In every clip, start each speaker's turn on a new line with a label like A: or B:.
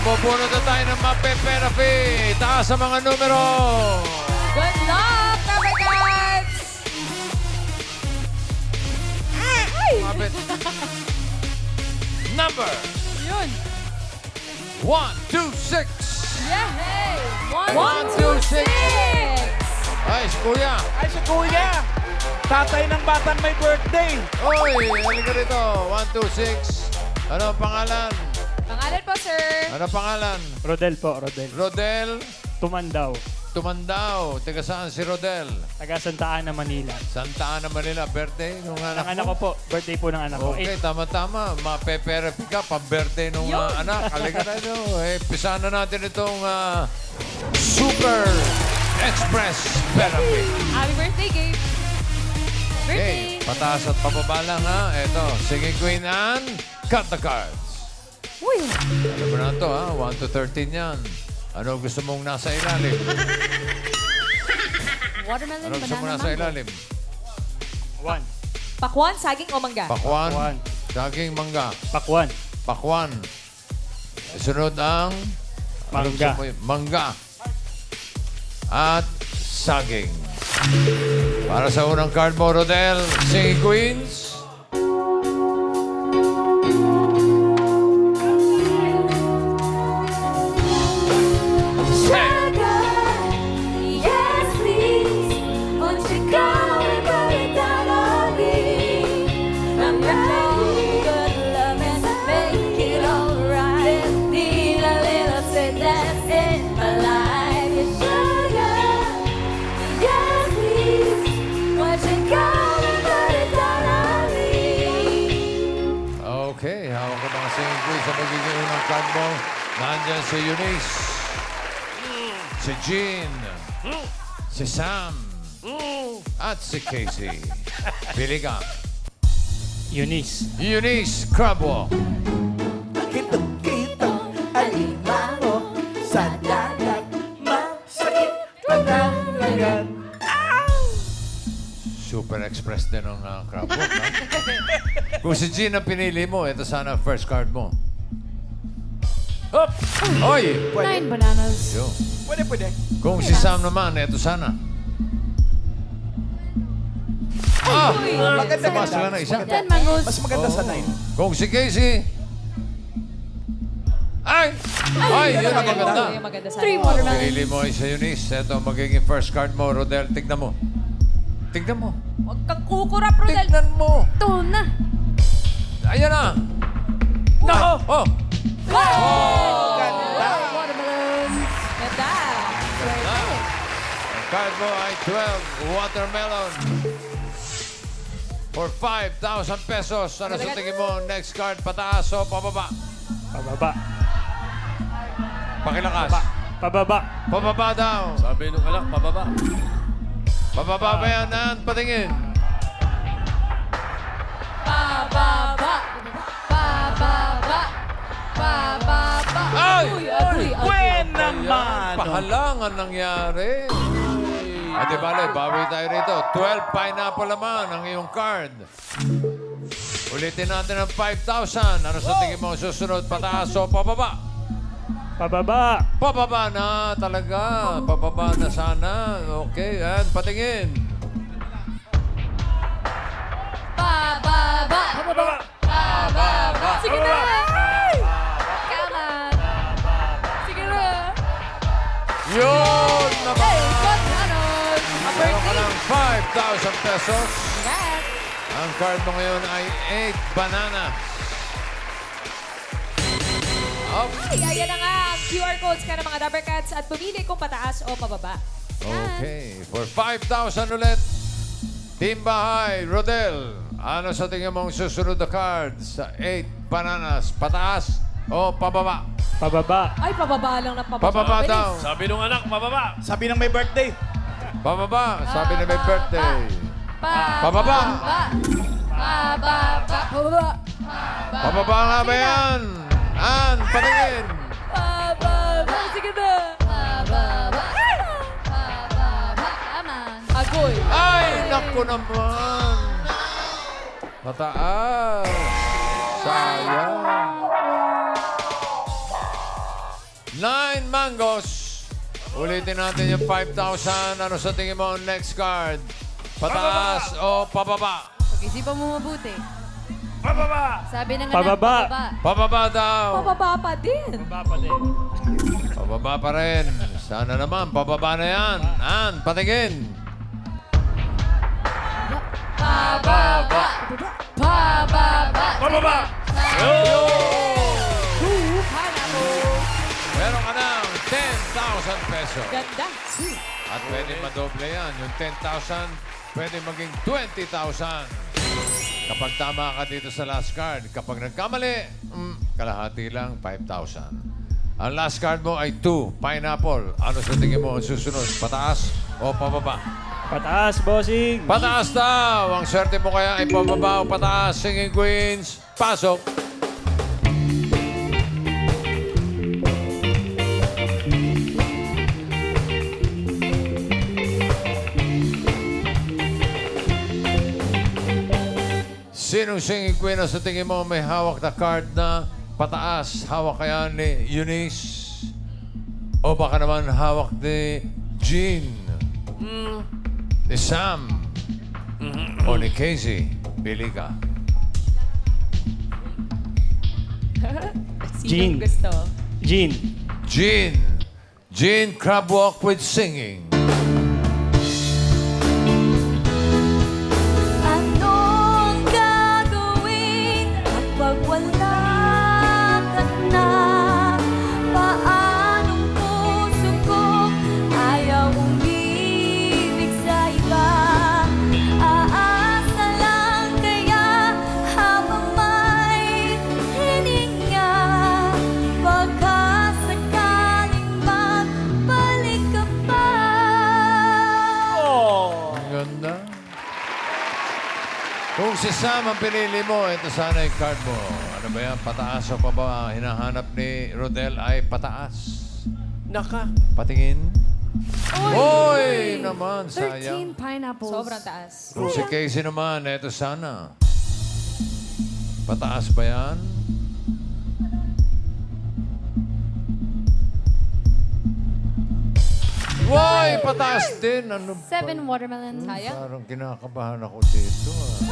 A: Mabubunod na tayo ng mapepera fee. Taas sa mga numero.
B: Good luck, Cover Cats! Ay!
A: Mapit. Number
B: Yun!
A: 1, 2, 6.
B: Yay!
A: 1, 2, 6. Ay, si Kuya.
C: Ay, si Kuya! Tatay ng batang may birthday!
A: Oy, halika rito. 1, 2, 6. Ano ang pangalan?
B: Pangalan po, sir.
A: Ano pangalan?
C: Rodel po, Rodel.
A: Rodel
C: Tumandaw.
A: Tumandao. Taga saan si Rodel?
C: Taga Santa Ana, Manila.
A: Santa Ana, Manila. Birthday nung
C: Ang
A: anak
C: anak
A: mo?
C: ko po, birthday po ng anak ko.
A: Okay, tama-tama. Mapepera fee ka. Pang-birthday nung anak. Halika na nyo. Pisahan na natin itong Super Express Therapy.
B: Happy birthday, Gabe.
A: Okay,
B: Birthday.
A: pataas at pababa lang ha. Ito, Singing Queen and Cut the Cards.
B: Uy!
A: Alam mo na ito ha, 1 to 13 yan. Ano gusto mong nasa ilalim?
B: Watermelon,
A: Ano gusto mo
B: banana,
A: nasa
B: mango.
A: ilalim?
C: 1.
B: Pakwan, saging o mangga?
A: Pakwan,
C: Pakwan.
A: saging, mangga.
C: Pakwan.
A: Pakwan. Sunod ang ano gusto
C: Mangga.
A: mo yun? Mangga. At saging. Para sa unang card mo, Rodel, Singing Queens.
D: Yes, please. Won't you come and put it down on me? I'm ready, good love and make it alright. Need a little sweetness in my life. Sugar, yes, please. Won't you come and put it down on me?
A: Okay, hawak ko mga Singing Queens sa magiging unang card mo. Nandyan si Eunice, si Jean, si Sam, at si Casey. Pili ka.
C: Eunice.
A: Eunice Crabwalk.
E: Kitong-kitong alimango sa dagat, masakit panangagan.
A: Super Express din ang Crabwalk, ha? Kung si Jean ang pinili mo, ito sana ang first card mo. Hop! Oy!
B: 9 bananas.
A: Yo.
E: Pwede.
A: Kung si Sam naman, ito sana. Ah!
E: Maganda
A: Tumas lang na isa.
B: 10 mangoes.
E: Mas maganda sa 9.
A: Kung si Casey... Ay! Ay! Yun ang maganda.
B: Yung maganda sa
D: 3 watermelon.
A: Pinili mo ay si Eunice. Ito ang magiging first card mo, Rodel. Tignan mo. Tignan mo.
B: Huwag kang kukurap, Rodel.
A: Tignan mo.
B: Ito na.
A: Ayan na.
C: Nako!
A: Oh!
B: Watermelons. Ganda.
A: Ang card mo ay 12 watermelon. For 5,000 pesos. Ano sa tingin mo? Next card, pataas o pababa?
C: Pababa.
A: Pakilakas.
C: Pababa.
A: Pababa daw.
F: Sabi nung anak, pababa.
A: Pababa ba yan? Nan, patingin.
B: Pababa. Pababa. Pababa.
A: Ay!
B: Agoy.
C: Wen
A: Ayan,
C: naman!
A: pahalangan nangyari. At di bale, bawi tayo rito. 12 pineapple naman ang iyong card. Ulitin natin ang 5,000. Ano sa tingin mo susunod? Pataas o pababa?
C: Pababa.
A: Pababa na talaga. Pababa na sana. Okay, and patingin.
B: Pababa.
C: Pababa.
B: Pababa. Sige na. Come on. Sige na.
A: Yun naman!
B: Hey, bananas.
A: Meron ka ng 5,000 pesos.
B: Congrats.
A: Ang card mo ngayon ay 8 banana.
B: Ay, ayan na nga ang QR codes ka ng mga Dabber Cats at pumili kung pataas o pababa.
A: Okay, for 5,000 ulit. Team Bahay, Rodel. Ano sa tingin mong susunod na cards sa 8 bananas? Pataas o pababa?
C: Pababa.
B: Ay, pababa lang na pababa.
A: Pababa
B: Bilis.
A: daw.
F: Sabi nung anak, pababa.
E: Sabi ng may birthday.
A: Pababa, sabi na may birthday. Pababa.
B: Pababa. Pababa.
A: Pababa nga ba yan? An, patingin.
B: Pababa. Sige na. Pababa. Pababa. Agoy.
A: Ay, naku naman. Mataas. Sayang. 9 mangoes. Ulitin natin yung 5,000. Ano sa tingin mo ang next card? Pataas o pababa?
D: Pag-isipan mo mabuti.
F: Pababa!
D: Sabi na nga
C: Pababa.
A: Pababa daw.
B: Pababa pa din.
F: Pababa din.
A: Pababa pa rin. Sana naman, pababa na yan. An, patingin.
D: Pababa. Pababa.
F: Pababa!
A: Meron ka ng 10,000 pesos.
B: Ganda.
A: At pwede madoble yan. Yung 10,000, pwede maging 20,000. Kapag tama ka dito sa last card. Kapag nagkamali, kalahati lang, 5,000. Ang last card mo ay 2, pineapple. Ano sa tingin mo ang susunod? Pataas o pababa?
C: Pataas, bossing.
A: Pataas daw! Ang swerte mo kaya ay pababa o pataas. Singing Queens, pasok! Sinong singing queen ang sa tingin mo may hawak na card na pataas? Hawak kaya ni Eunice? O baka naman hawak ni Jean? Ni Sam? O ni Casey? Pili ka.
C: Jean.
B: Sinong gusto?
C: Jean.
A: Jean. Jean crab walk with singing.
D: Anong gagawin kapag wala ka na? Paanong puso ko ayaw umibig sa iba? Aasa lang kaya habang may hininga? Baka sakaling magbalik ka pa.
A: Ang ganda. Kung si Sam ang pinili mo, ito sana yung card mo. Ano ba yan? Pataas o pababa? Hinahanap ni Rodel ay pataas.
E: Naka.
A: Patingin. Oy! Naman, sayang.
D: 13 pineapples.
B: Sobrang taas.
A: Kung si Casey naman, ito sana. Pataas ba yan? Woy! Pataas din! Ano ba?
D: 7 watermelons.
B: Sayang.
A: Parang kinakabahan ako dito.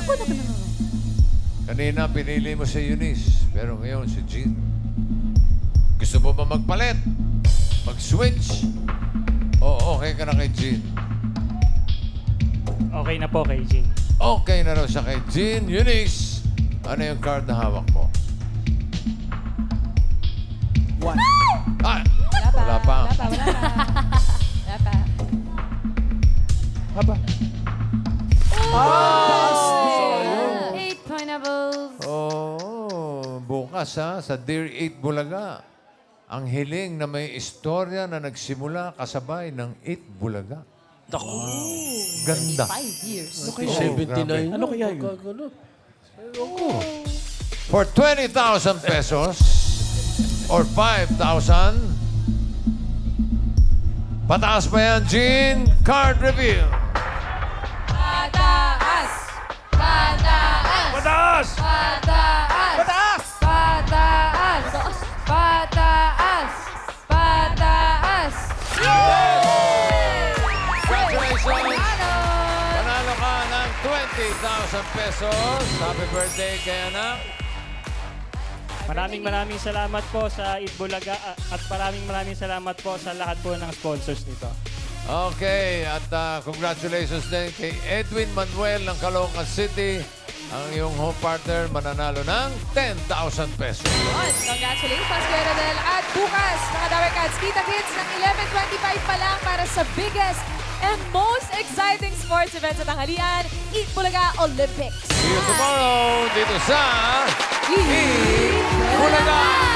A: Kanina, pinili mo si Eunice. Pero ngayon, si Jean. Gusto mo ba magpalit? Mag-switch? O okay ka na kay Jean?
C: Okay na po kay Jean.
A: Okay na raw siya kay Jean. Eunice, ano yung card na hawak mo?
E: 1.
A: Ah!
B: Wala pa.
A: Wala pa.
B: Wala pa. Wala pa. Wala pa.
E: Haba.
D: 8 pineapples.
A: Oh, bukas sa Dear 8 Bulaga. Ang hiling na may istorya na nagsimula kasabay ng 8 Bulaga. Ganda.
B: 5 years.
A: Oh, grabe.
E: Ano kaya yun?
A: For 20,000 pesos or 5,000, pataas pa yan, Jean? Card reveal.
D: Pataas! Pataas!
F: Pataas!
D: Pataas!
E: Pataas!
D: Pataas! Pataas! Pataas!
A: Congratulations! Panalo ka ng 20,000 pesos. Happy birthday kay anak.
C: Maraming salamat po sa Itbulaga at maraming salamat po sa lahat po ng sponsors nito.
A: Okay, at congratulations din kay Edwin Manuel ng Caloocan City. Ang iyong home partner mananalo ng 10,000 pesos.
B: Yun. Congratulations, Kuya Rodel. At bukas, mga Dabar Cats, kita-kits ng 11:25 pa lang para sa biggest and most exciting sports event sa tanghalian, Eat Bulaga Olympics.
A: See you tomorrow dito sa Eat Bulaga!